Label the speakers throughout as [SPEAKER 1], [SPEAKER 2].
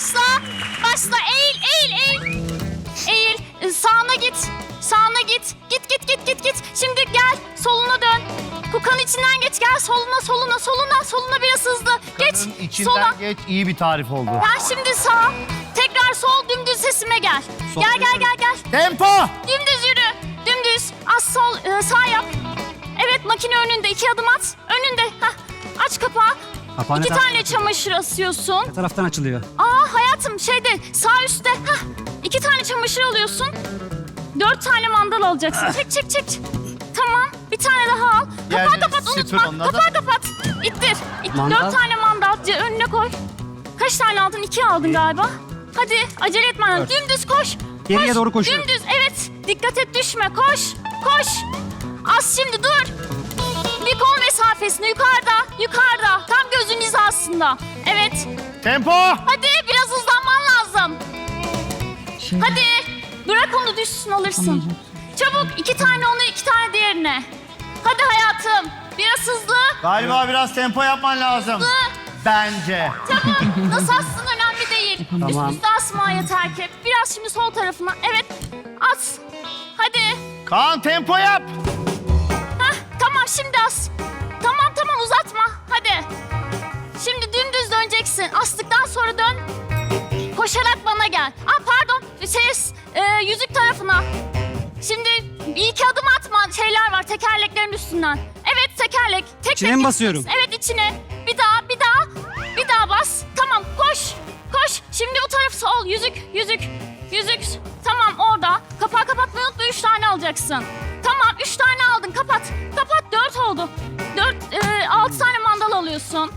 [SPEAKER 1] başla. Başla. Eğil, eğil, eğil. Eğil. Sağına git. Sağına git. Git. Şimdi gel. Soluna dön. Kukanın içinden geç. Gel soluna biraz hızlı. Geç.
[SPEAKER 2] Kadın içinden
[SPEAKER 1] Sola.
[SPEAKER 2] geç. İyi bir tarif oldu.
[SPEAKER 1] Ben şimdi sağ. Tekrar sol, dümdüz sesime gel.
[SPEAKER 2] Sol
[SPEAKER 1] Gel.
[SPEAKER 2] Tempo!
[SPEAKER 1] Dümdüz yürü. Dümdüz. Az sol, sağ yap. Evet, makine önünde. 2 adım at. Önünde. Hah. Aç kapağı.
[SPEAKER 3] Kapağı ne
[SPEAKER 1] 2
[SPEAKER 3] taraftan
[SPEAKER 1] tane çamaşır asıyorsun.
[SPEAKER 3] Ne taraftan açılıyor?
[SPEAKER 1] Hayatım şeyde sağ üstte. Hah. 2 tane çamaşır alıyorsun. 4 tane mandal alacaksın. Çek. Tamam. Bir tane daha al. Kapağı
[SPEAKER 2] Yani
[SPEAKER 1] kapat,
[SPEAKER 2] süpür
[SPEAKER 1] unutma.
[SPEAKER 2] ondan da-
[SPEAKER 1] Kapağı kapat. İttir.
[SPEAKER 3] Mandal?
[SPEAKER 1] 4 tane mandal önüne koy. Kaç tane aldın? 2 aldın galiba. Hadi acele etmen lazım. Dümdüz koş.
[SPEAKER 3] Geriye doğru koşuyorum.
[SPEAKER 1] Dümdüz, evet. Dikkat et, düşme. Koş. Az şimdi dur. Bir kol mesafesinde yukarıda. Tam gözün hizasında. Evet.
[SPEAKER 2] Tempo!
[SPEAKER 1] Hadi biraz hızlanman lazım. Hadi. Bırak onu düşsün, alırsın. Çabuk 2 tane onu, 2 tane diğerine. Hadi hayatım. Biraz hızlı.
[SPEAKER 2] Galiba biraz tempo yapman lazım. Bence.
[SPEAKER 1] Çabuk. Nasıl assın önemli değil.
[SPEAKER 3] Tamam.
[SPEAKER 1] Üst üste asma yeter ki. Biraz şimdi sol tarafına. Evet. As. Hadi.
[SPEAKER 2] Kaan tempo yap.
[SPEAKER 1] Tamam şimdi as. Tamam uzatma. Hadi. Şimdi dümdüz döneceksin. Astıktan sonra dön. Koşarak bana gel. Pardon. Yüzük tarafına. Şimdi bir iki adım atma. Şeyler var tekerleklerin üstünden. Evet tekerlek. Tek
[SPEAKER 3] İçine
[SPEAKER 1] tek
[SPEAKER 3] mi
[SPEAKER 1] git.
[SPEAKER 3] basıyorum?
[SPEAKER 1] Evet içine. Bir daha bas. Tamam koş. Şimdi o taraf sol. Yüzük. Tamam orada. Kapağı kapatmayı unutma. 3 tane alacaksın. Tamam 3 tane aldın. Kapat. 4 oldu. 6 tane mandal alıyorsun.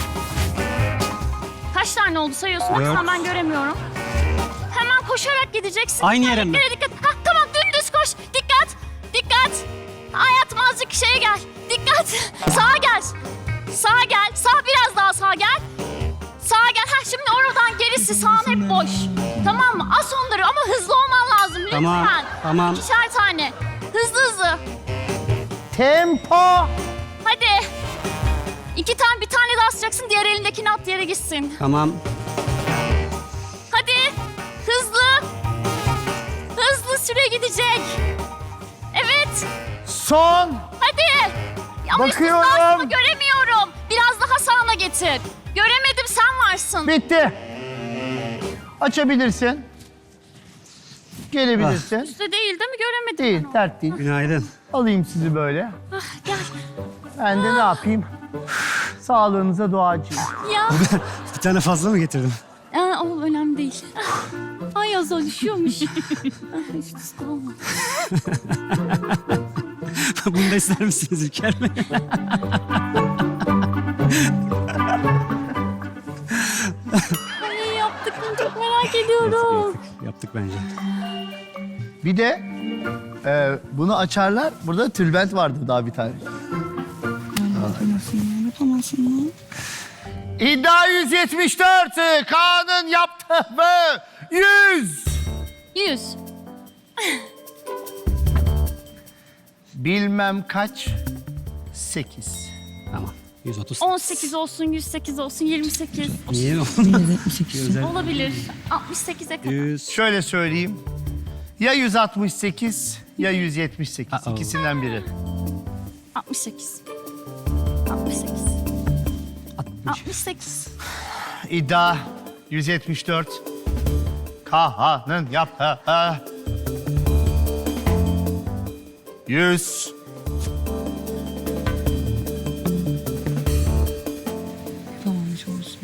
[SPEAKER 1] Kaç tane oldu sayıyorsun?
[SPEAKER 3] Dört.
[SPEAKER 1] Baksana ben göremiyorum. Hemen koşarak gideceksin.
[SPEAKER 3] Aynı yere mi?
[SPEAKER 1] Dikkat. Tamam dümdüz koş. Dikkat. Hayatım azıcık şeye gel. Dikkat. Sağa gel. Sağ biraz daha sağa gel. Şimdi oradan gerisi sağın hep boş. Tamam mı? As onları ama hızlı olman lazım lütfen.
[SPEAKER 3] Tamam.
[SPEAKER 1] 2'şer tane. Hızlı.
[SPEAKER 2] Tempo!
[SPEAKER 1] Hadi. Bir tane daha asacaksın. Diğer elindekini at yere gitsin.
[SPEAKER 3] Tamam.
[SPEAKER 1] Hadi. Hızlı süre gidecek. Evet.
[SPEAKER 2] Son!
[SPEAKER 1] Hadi. Ama üst üste
[SPEAKER 2] Bakıyorum.
[SPEAKER 1] asma, göremiyorum. Biraz daha sağına getir. Göremedim, sen varsın.
[SPEAKER 2] Bitti. Açabilirsin. Gelebilirsin.
[SPEAKER 1] Üstte değil mi? Göremedim.
[SPEAKER 2] Değil,
[SPEAKER 1] ben onu.
[SPEAKER 2] dert değil.
[SPEAKER 3] Günaydın.
[SPEAKER 2] Alayım sizi böyle.
[SPEAKER 1] Gel.
[SPEAKER 2] Ben de ne yapayım? Sağlığınıza duacıyım.
[SPEAKER 1] Ya.
[SPEAKER 3] Bir tane fazla mı getirdim?
[SPEAKER 1] O önemli değil. Ay Azal düşüyormuş. Hiç üstte olma.
[SPEAKER 3] Bunu da ister misiniz İlker Bey?
[SPEAKER 1] Ay yaptık mı? Çok merak ediyorum.
[SPEAKER 3] Yaptık bence.
[SPEAKER 2] Bir de bunu açarlar. Burada tülbent vardı daha bir tane.
[SPEAKER 1] Yapamazsın.
[SPEAKER 2] İddia 174. Kaan'ın yaptığı 100.
[SPEAKER 1] 100.
[SPEAKER 2] Bilmem kaç. 8.
[SPEAKER 3] Tamam. 130.
[SPEAKER 1] 18 olsun, 108 olsun, 28.
[SPEAKER 3] Niye? Özel.
[SPEAKER 1] Olabilir. 68'e kadar.
[SPEAKER 3] 100.
[SPEAKER 2] Şöyle söyleyeyim. Ya 168 ya 178.
[SPEAKER 3] Uh-oh.
[SPEAKER 2] İkisinden biri.
[SPEAKER 1] 68. 68.
[SPEAKER 2] İddia 174. Kaan'ın yaptığı 100.
[SPEAKER 1] Yapamamış olsun.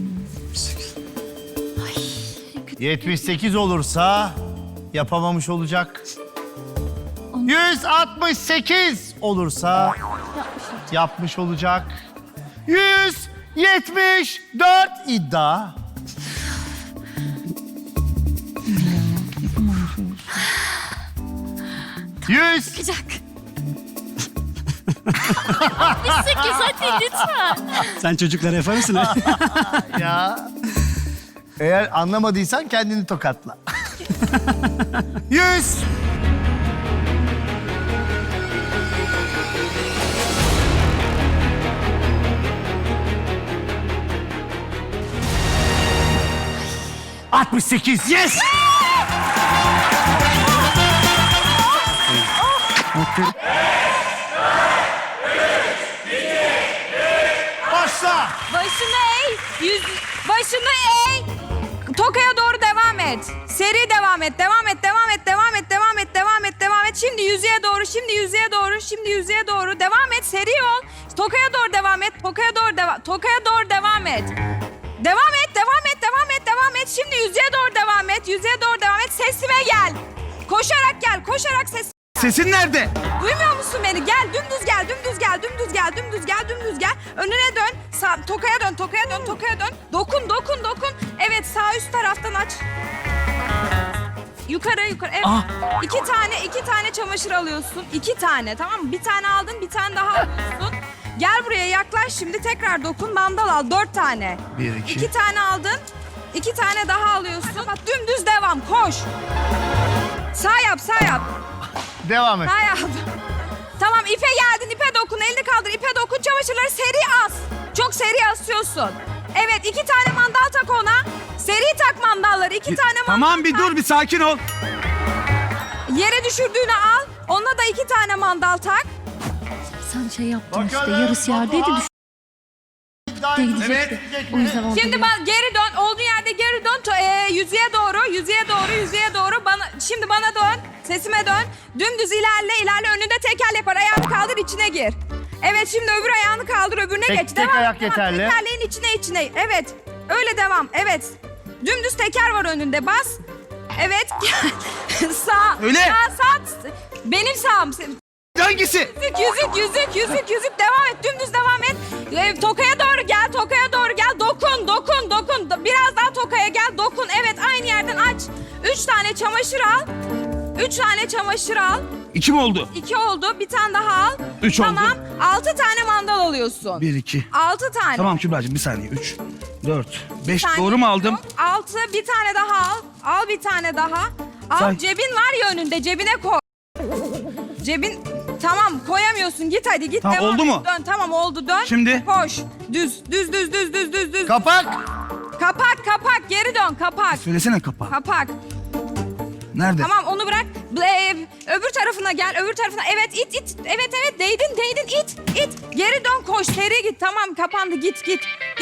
[SPEAKER 2] 78 olursa yapamamış olacak. 168 olursa yapmış olacak. 174 iddia. Yüz.
[SPEAKER 1] Çıkacak. 68 hadi lütfen.
[SPEAKER 3] Sen çocuklara yapar mısın?
[SPEAKER 2] Ya. Eğer anlamadıysan kendini tokatla. 100. 68.
[SPEAKER 3] Yes!
[SPEAKER 2] Başla.
[SPEAKER 4] Başını eğ. Başını eğ. Tokaya doğru devam et. Seri devam et. Devam et. Devam et. Devam et. Devam et. Devam et. Devam et. Şimdi yüzeye doğru. Şimdi yüzeye doğru. Şimdi yüzeye doğru. Devam et. Seri ol. Tokaya doğru devam et. Tokaya doğru devam. Tokaya doğru devam et. Devam et. Devam et. Devam et. Devam et. Şimdi yüzeye doğru devam et. Yüzeye doğru devam et. Sesime gel. Koşarak gel. Koşarak ses.
[SPEAKER 2] Sesin nerede?
[SPEAKER 4] Duymuyor musun beni? Gel, dümdüz gel, dümdüz gel, dümdüz gel, dümdüz gel, dümdüz gel. Önüne dön, sağ, tokaya dön, tokaya dön, tokaya dön. Dokun, dokun, dokun. Evet, sağ üst taraftan aç. Yukarı, yukarı. Evet. İki tane çamaşır alıyorsun. 2 tane, tamam mı? Bir tane aldın, bir tane daha alıyorsun. Gel buraya yaklaş şimdi tekrar dokun. Mandal al, 4 tane.
[SPEAKER 2] 1, 2.
[SPEAKER 4] 2 tane aldın. 2 tane daha alıyorsun. Bak dümdüz devam, koş. Sağ yap, sağ yap.
[SPEAKER 2] Devam et.
[SPEAKER 4] Hayatım. Tamam ipe geldin, ipe dokun, elini kaldır, ipe dokun, çamaşırları seri as. Çok seri asıyorsun. Evet, 2 tane mandal tak ona. Seri tak mandalları, 2 tane mandal
[SPEAKER 5] Tamam bir
[SPEAKER 4] tak.
[SPEAKER 5] dur bir sakin ol.
[SPEAKER 4] Yere düşürdüğünü al, ona da 2 tane mandal tak.
[SPEAKER 1] Sen şey yaptın işte
[SPEAKER 2] Bakalım,
[SPEAKER 1] yarısı yerdeydi
[SPEAKER 2] Batuhan.
[SPEAKER 1] düştü gidecekti. O yüzden oldu.
[SPEAKER 4] Şimdi geri dön, olduğun yerde geri dön. Yüzeye doğru, yüzeye doğru, yüzeye doğru. Şimdi bana dön, sesime dön. Dümdüz ilerle, önünde tekerlek var. Ayağını kaldır, içine gir. Evet, şimdi öbür ayağını kaldır, öbürüne
[SPEAKER 2] Tek-
[SPEAKER 4] geç.
[SPEAKER 2] tek ayak
[SPEAKER 4] devam.
[SPEAKER 2] yeterli.
[SPEAKER 4] Tekerleğin içine. Evet, öyle devam. Evet. Dümdüz teker var önünde, bas. Evet, sağ.
[SPEAKER 5] Öyle.
[SPEAKER 4] Sağ. Benim sağım.
[SPEAKER 5] Hangisi?
[SPEAKER 4] Yüzük devam et, dümdüz devam et. Tokaya doğru gel, dokun. Biraz daha tokaya gel, dokun. Evet, aynı yerden aç. 3 tane çamaşır al.
[SPEAKER 5] 2 mi oldu?
[SPEAKER 4] 2 oldu, bir tane daha al.
[SPEAKER 5] 3 oldu.
[SPEAKER 4] Tamam, 6 tane mandal alıyorsun.
[SPEAKER 5] 1, 2.
[SPEAKER 4] 6 tane.
[SPEAKER 5] Tamam Kübra'cığım bir saniye. 3, 4, 5
[SPEAKER 4] Bir tane
[SPEAKER 5] doğru mu aldım?
[SPEAKER 4] yok. 6, bir tane daha al. Al bir tane daha. Al,
[SPEAKER 5] Say.
[SPEAKER 4] cebin var ya önünde, cebine koy. Cebin, tamam koyamıyorsun, git hadi git.
[SPEAKER 5] Tamam,
[SPEAKER 4] devam
[SPEAKER 5] oldu
[SPEAKER 4] et.
[SPEAKER 5] mu?
[SPEAKER 4] Dön, tamam oldu, dön.
[SPEAKER 5] Şimdi?
[SPEAKER 4] Koş, düz.
[SPEAKER 2] Kapak.
[SPEAKER 4] Kapak, geri dön, kapak.
[SPEAKER 5] Söylesene kapağı.
[SPEAKER 4] Kapak.
[SPEAKER 5] Nerede?
[SPEAKER 4] Tamam onu bırak. Öbür tarafına gel, öbür tarafına. Evet, it. Evet, değdin, it. Geri dön, koş, seri git. Tamam, kapandı, git. Git.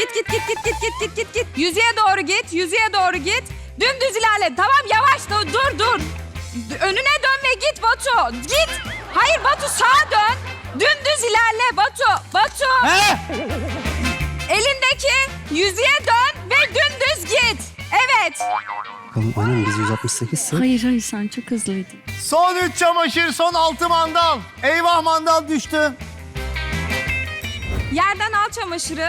[SPEAKER 4] Yüzeye doğru git. Dümdüz ilerle. Tamam, yavaş, dur. Önüne dön ve git Batu. Git. Hayır Batu, sağa dön. Dümdüz ilerle Batu.
[SPEAKER 5] He?
[SPEAKER 4] Elindeki yüzeye dön ve dümdüz git. Evet.
[SPEAKER 3] Bakalım aynen biz 168 'sak.
[SPEAKER 1] Hayır sen çok hızlıydın.
[SPEAKER 2] Son 3 çamaşır, son 6 mandal. Eyvah mandal düştü.
[SPEAKER 4] Yerden al çamaşırı.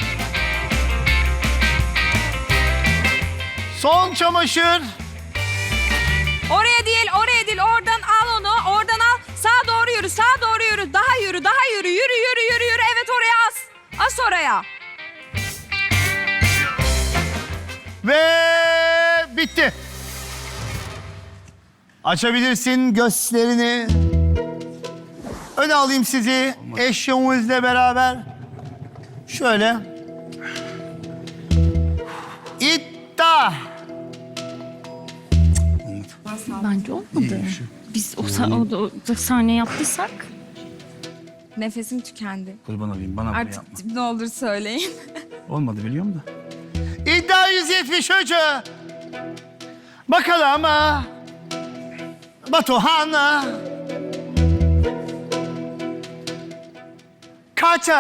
[SPEAKER 2] Son çamaşır.
[SPEAKER 4] Oraya değil. Oradan al onu. Oradan al. Sağa doğru yürü. Daha yürü. Yürü. Evet, oraya as. As oraya.
[SPEAKER 2] Ve bitti. Açabilirsin gözlerini. Öne alayım sizi eşyanızla beraber. Şöyle. İddia.
[SPEAKER 1] Bence olmadı. Biz o sahne yaptıysak.
[SPEAKER 4] Nefesim tükendi.
[SPEAKER 5] Kurban olayım bana bunu
[SPEAKER 4] Artık
[SPEAKER 5] yapma.
[SPEAKER 4] ne olur söyleyin.
[SPEAKER 5] Olmadı biliyorum da.
[SPEAKER 2] İddia 173. Bakalım Batuhan kaç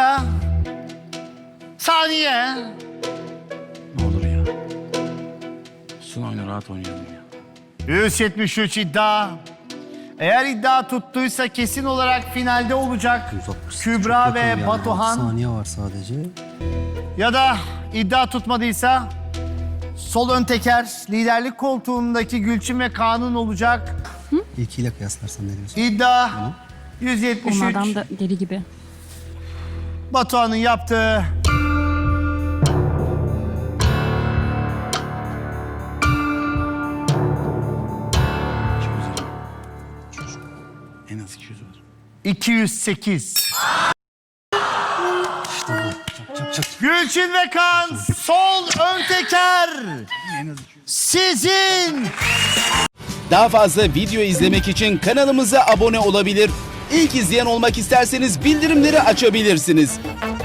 [SPEAKER 2] saniye?
[SPEAKER 5] Ne olur ya. Son oyunu rahat oynayalım ya.
[SPEAKER 2] 173 iddia. Eğer iddia tuttuysa kesin olarak finalde olacak
[SPEAKER 3] 168
[SPEAKER 2] Kübra
[SPEAKER 3] çok yakın
[SPEAKER 2] ve
[SPEAKER 3] yani.
[SPEAKER 2] Batuhan.
[SPEAKER 3] 6 saniye var sadece.
[SPEAKER 2] Ya da iddia tutmadıysa sol ön teker liderlik koltuğundaki Gülçin ve Kaan'ın olacak.
[SPEAKER 3] İlkiyle kıyaslarsan ne diyorsun?
[SPEAKER 2] İddia 173.
[SPEAKER 1] Onlardan da deli gibi.
[SPEAKER 2] Batuhan'ın yaptığı
[SPEAKER 5] En az 200 var.
[SPEAKER 2] 208.
[SPEAKER 3] Çak.
[SPEAKER 2] Gülçin ve Kaan sol ön teker.
[SPEAKER 5] En az 200.
[SPEAKER 2] sizin.
[SPEAKER 6] Daha fazla video izlemek için kanalımıza abone olabilir. İlk izleyen olmak isterseniz bildirimleri açabilirsiniz.